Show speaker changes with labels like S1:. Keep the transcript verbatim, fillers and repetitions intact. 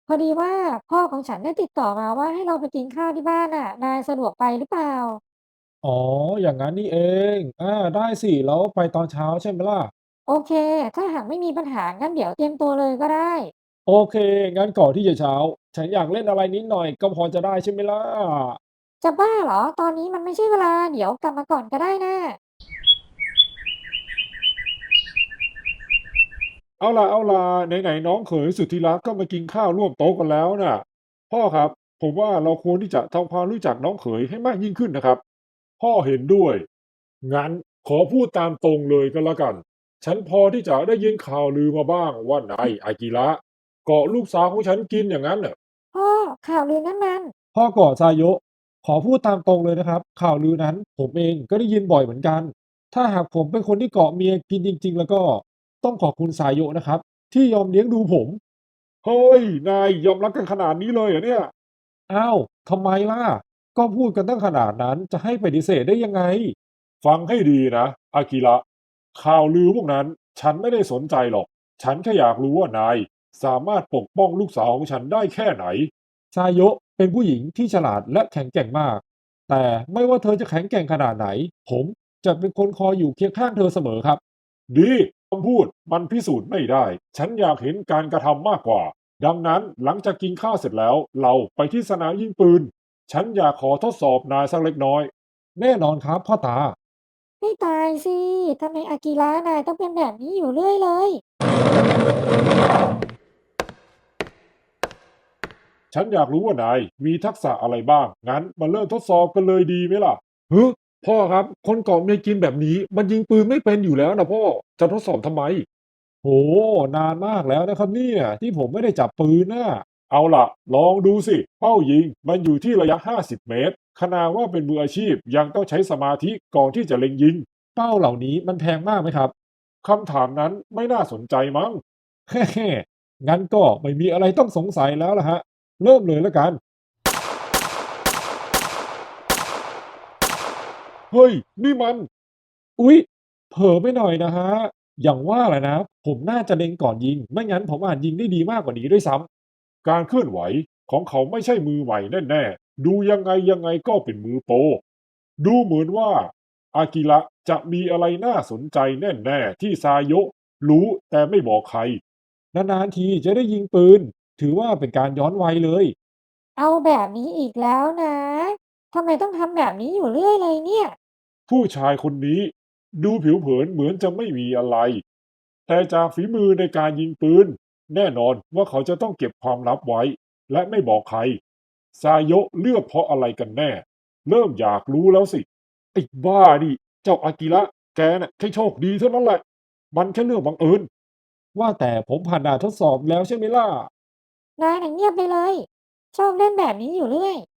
S1: พอดีว่าพ่อของฉันได้ติดต่อมาว่าให้เราไปกินข้าวที่บ้านน่ะนายสะดวกไปหรือเปล่า
S2: อ๋ออย่างนั้นนี่เองอาได้สิแล้วไปตอนเช้าใช่ไหมล่ะ
S1: โอเคถ้าหากไม่มีปัญหางั้นเดี๋ยวเตรียมตัวเลยก็ได้
S2: โอเคงั้นก่อนที่จะเช้าฉันอยากเล่นอะไรนิดหน่อยก็พอจะได้ใช่ไหมล่ะ
S1: จะบ้าเหรอตอนนี้มันไม่ใช่เวลาเดี๋ยวกลับมาก่อนก็ได้นะ
S2: เอาล่ะเอาล่ะไหนๆน้องเขยสุดที่รักก็มากินข้าวร่วมโต๊ะกันแล้วน่ะพ่อครับผมว่าเราควรที่จะทำความรู้จักน้องเขยให้มากยิ่งขึ้นนะครับพ่อเห็นด้วยงั้นขอพูดตามตรงเลยก็แล้วกันฉันพอที่จะได้ยินข่าวลือมาบ้างว่านายอากิระเกาะลูกสาวของฉันกินอย่างนั้นน่ะ
S1: พ่อข่าวลือนั่นมัน
S2: พ่อก่อซายะขอพูดตามตรงเลยนะครับข่าวลือนั้นผมเองก็ได้ยินบ่อยเหมือนกันถ้าหากผมเป็นคนที่เกาะเมียกินจริงๆแล้วก็ต้องขอบคุณซายะนะครับที่ยอมเลี้ยงดูผมเฮ้ยนายยอมรับกันขนาดนี้เลยเหรอเนี่ยอ้าวทำไมล่ะก็พูดกันตั้งขนาดนั้นจะให้ปฏิเสธได้ยังไงฟังให้ดีนะอากิระข่าวลือพวกนั้นฉันไม่ได้สนใจหรอกฉันแค่อยากรู้ว่านายสามารถปกป้องลูกสาวของฉันได้แค่ไหน ซายะเป็นผู้หญิงที่ฉลาดและแข็งแกร่งมาก แต่ไม่ว่าเธอจะแข็งแกร่งขนาดไหน ผมจะเป็นคนคอยอยู่เคียงข้างเธอเสมอครับ ดีคำพูดมันพิสูจน์ไม่ได้ ฉันอยากเห็นการกระทำมากกว่า ดังนั้นหลังจากกินข้าวเสร็จแล้วเราไปที่สนามยิงปืน ฉันอยากขอทดสอบนายสักเล็กน้อย แน่นอนครับพ่อตา
S1: ให้ตายสิทำไมอากิระนายต้องเป็นแบบนี้อยู่เรื่อยเลย
S2: ฉันอยากรู้ว่านายมีทักษะอะไรบ้าง งั้นมาเริ่มทดสอบกันเลยดีไหมล่ะเฮ้ยพ่อครับ คนเกาะเมียกินแบบนี้มันยิงปืนไม่เป็นอยู่แล้วนะพ่อ จะทดสอบทำไมโหนานมากแล้วนะครับเนี่ยที่ผมไม่ได้จับปืนน่ะเอาล่ะลองดูสิเป้ายิงมันอยู่ที่ระยะห้าสิบเมตรขนาดว่าเป็นมืออาชีพยังต้องใช้สมาธิก่อนที่จะเล็งยิงเป้าเหล่านี้มันแพงมากไหมครับคำถามนั้นไม่น่าสนใจมั้งแฮ่ๆงั้นก็ไม่มีอะไรต้องสงสัยแล้วล่ะฮะ เริ่มเลยแล้วกัน เฮ้ย นี่มัน อุ๊ยเผลอไปหน่อยนะฮะอย่างว่าแหละนะ ผมน่าจะเล็งก่อนยิง ไม่งั้นผมอาจยิงได้ดีมากกว่านี้ด้วยซ้ำ การเคลื่อนไหวของเขาไม่ใช่มือใหม่แน่ๆ ดูยังไงยังไงก็เป็นมือโปรดูเหมือนว่าอากิระจะมีอะไรน่าสนใจแน่ๆที่ซายะรู้แต่ไม่บอกใคร นานๆทีจะได้ยิงปืน ถือว่าเป็นการย้อนวัยเลย
S1: เอาแบบนี้อีกแล้วนะทำไมต้องทำแบบนี้อยู่เรื่อยเลยเนี่ย
S2: ผู้ชายคนนี้ดูผิวเผินเหมือนจะไม่มีอะไรแต่จากฝีมือในการยิงปืนแน่นอนว่าเขาจะต้องเก็บความลับไว้และไม่บอกใครซายะเลือกเพราะอะไรกันแน่เริ่มอยากรู้แล้วสิไอ้บ้าดิเจ้าอากิระแกน่ะแค่โชคดีเท่านั้นแหละมันแค่เรื่องบังเอิญว่าแต่ผมผ่านด่านทดสอบแล้วใช่ไหมล่ะ
S1: นายน่ะเงียบไปเลยชอบเล่นแบบนี้อยู่เรื่อย